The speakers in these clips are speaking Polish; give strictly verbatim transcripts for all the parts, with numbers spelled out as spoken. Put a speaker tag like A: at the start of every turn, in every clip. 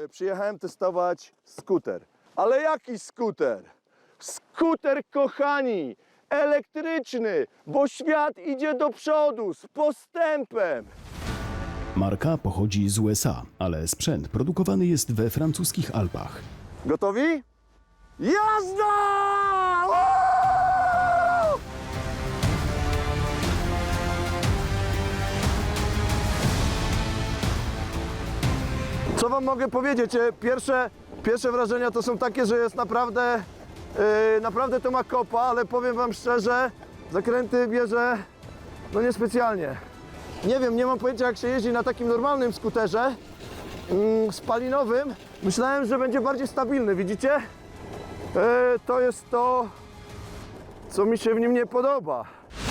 A: E, Przyjechałem testować skuter. Ale jaki skuter? Skuter, kochani, elektryczny, bo świat idzie do przodu z postępem.
B: Marka pochodzi z U S A, ale sprzęt produkowany jest we francuskich Alpach.
A: Gotowi? Jazda! Woo! Co wam mogę powiedzieć? E, Pierwsze, pierwsze wrażenia to są takie, że jest naprawdę, yy, naprawdę to ma kopa, ale powiem wam szczerze, zakręty bierze no niespecjalnie. Nie wiem, nie mam pojęcia jak się jeździ na takim normalnym skuterze mm, spalinowym. Myślałem, że będzie bardziej stabilny, widzicie? E, to jest to, co mi się w nim nie podoba.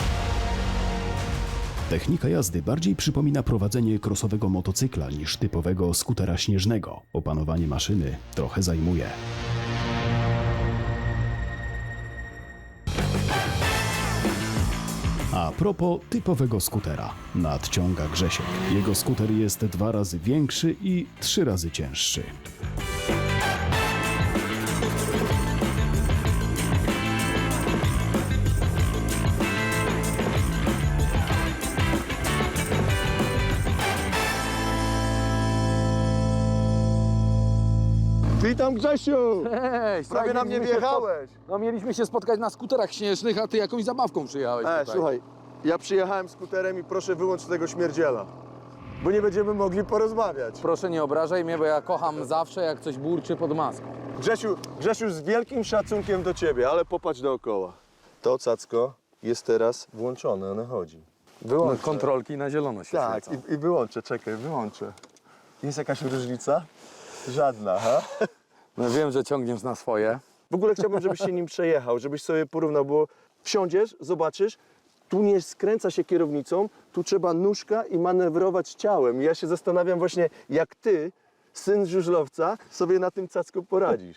B: Technika jazdy bardziej przypomina prowadzenie krosowego motocykla niż typowego skutera śnieżnego. Opanowanie maszyny trochę zajmuje. A propos typowego skutera, nadciąga Grzesiek. Jego skuter jest dwa razy większy i trzy razy cięższy.
A: Witam, Grzesiu!
C: Hej,
A: Prawie na mnie wjechałeś.
C: No mieliśmy się spotkać na skuterach śnieżnych, a ty jakąś zabawką przyjechałeś
A: E,
C: tutaj.
A: słuchaj, ja przyjechałem skuterem i proszę wyłącz tego śmierdziela, bo nie będziemy mogli porozmawiać.
C: Proszę nie obrażaj mnie, bo ja kocham zawsze, jak coś burczy pod maską.
A: Grzesiu, Grzesiu, z wielkim szacunkiem do ciebie, ale popatrz dookoła. To cacko jest teraz włączone, ono chodzi.
C: No,
A: Wyłączę.
C: kontrolki na zielono się
A: Tak,
C: świecą.
A: i, i wyłączę, czekaj, wyłączę. Jest jakaś różnica? Żadna, ha?
C: No wiem, że ciągniesz na swoje.
A: W ogóle chciałbym, żebyś się nim przejechał, żebyś sobie porównał, bo wsiądziesz, zobaczysz, tu nie skręca się kierownicą, tu trzeba nóżka i manewrować ciałem. I ja się zastanawiam właśnie, jak ty, syn żużlowca, sobie na tym cacku poradzisz.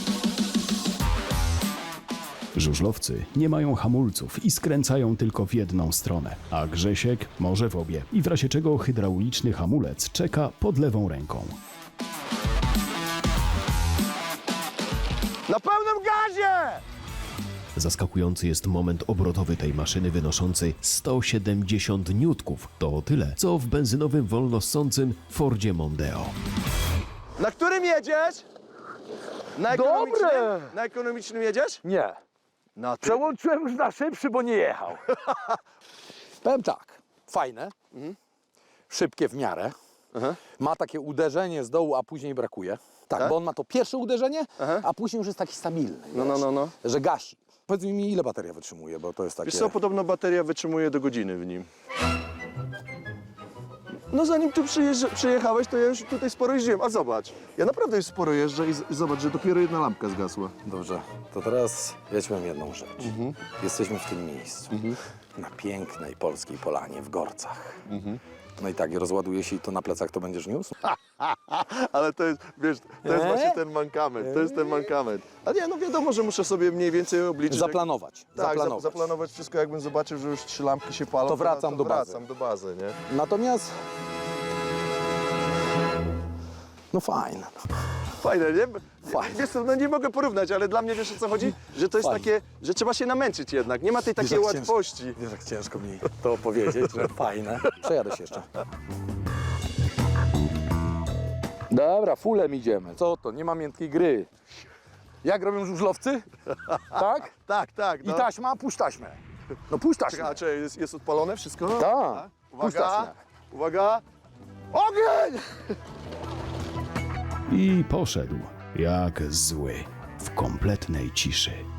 B: Żużlowcy nie mają hamulców i skręcają tylko w jedną stronę, a Grzesiek może w obie i w razie czego hydrauliczny hamulec czeka pod lewą ręką.
A: Na pełnym gazie!
B: Zaskakujący jest moment obrotowy tej maszyny wynoszący sto siedemdziesiąt niutków. To tyle, co w benzynowym wolnossącym Fordzie Mondeo.
A: Na którym jedziesz? Na ekonomicznym?
C: Dobre!
A: Na ekonomicznym jedziesz?
C: Nie.
A: Na tym.
C: Przełączyłem już na szybszy, bo nie jechał. Powiem tak, fajne, szybkie w miarę.
A: Aha.
C: Ma takie uderzenie z dołu, a później brakuje. Tak,
A: Tak?
C: bo on ma to pierwsze uderzenie,
A: Aha.
C: a później już jest taki stabilny.
A: No, no,
C: wiesz,
A: no, no.
C: Że gasi. Powiedz mi, ile bateria wytrzymuje, bo to jest takie...
A: Wiesz co, podobno bateria wytrzymuje do godziny w nim. No zanim tu przyjeżdża, przyjechałeś, to ja już tutaj sporo jeździłem. A zobacz, ja naprawdę już sporo jeżdżę i z- zobacz, że dopiero jedna lampka zgasła.
C: Dobrze, to teraz ja ci powiem jedną rzecz.
A: Mhm.
C: Jesteśmy w tym miejscu, na pięknej polskiej polanie w Gorcach.
A: Mhm.
C: No i tak, rozładuje się i to na plecach to będziesz niósł?
A: Ale to jest, wiesz, to jest
C: Eee?
A: właśnie ten mankament, to jest ten mankament. Ale nie, no wiadomo, że muszę sobie mniej więcej obliczyć.
C: Zaplanować,
A: Jak, tak,
C: zaplanować.
A: za- zaplanować wszystko, jakbym zobaczył, że już trzy lampki się palą.
C: To wracam
A: to
C: do bazy.
A: Wracam do bazy, nie?
C: Natomiast... No fajne.
A: Fajne, nie?
C: Fajne.
A: Wiesz co, no nie mogę porównać, ale dla mnie wiesz o co chodzi? Że to jest
C: Fajne.
A: takie, że trzeba się namęczyć jednak, nie ma tej takiej
C: jak
A: łatwości.
C: Ciężko, wiesz, jak ciężko mi to opowiedzieć, że fajne. Przejadę się jeszcze. Dobra, fulem idziemy. Co to? Nie ma miętkiej gry. Jak robią żużlowcy? Tak?
A: Tak, tak.
C: I
A: No.
C: taśma? Puść taśmę. No puść taśmę.
A: Czekaj, a czy jest, jest odpalone wszystko?
C: Tak. Puść
A: Uwaga,
C: taśmę.
A: uwaga. Ogień!
B: I poszedł, jak zły, w kompletnej ciszy.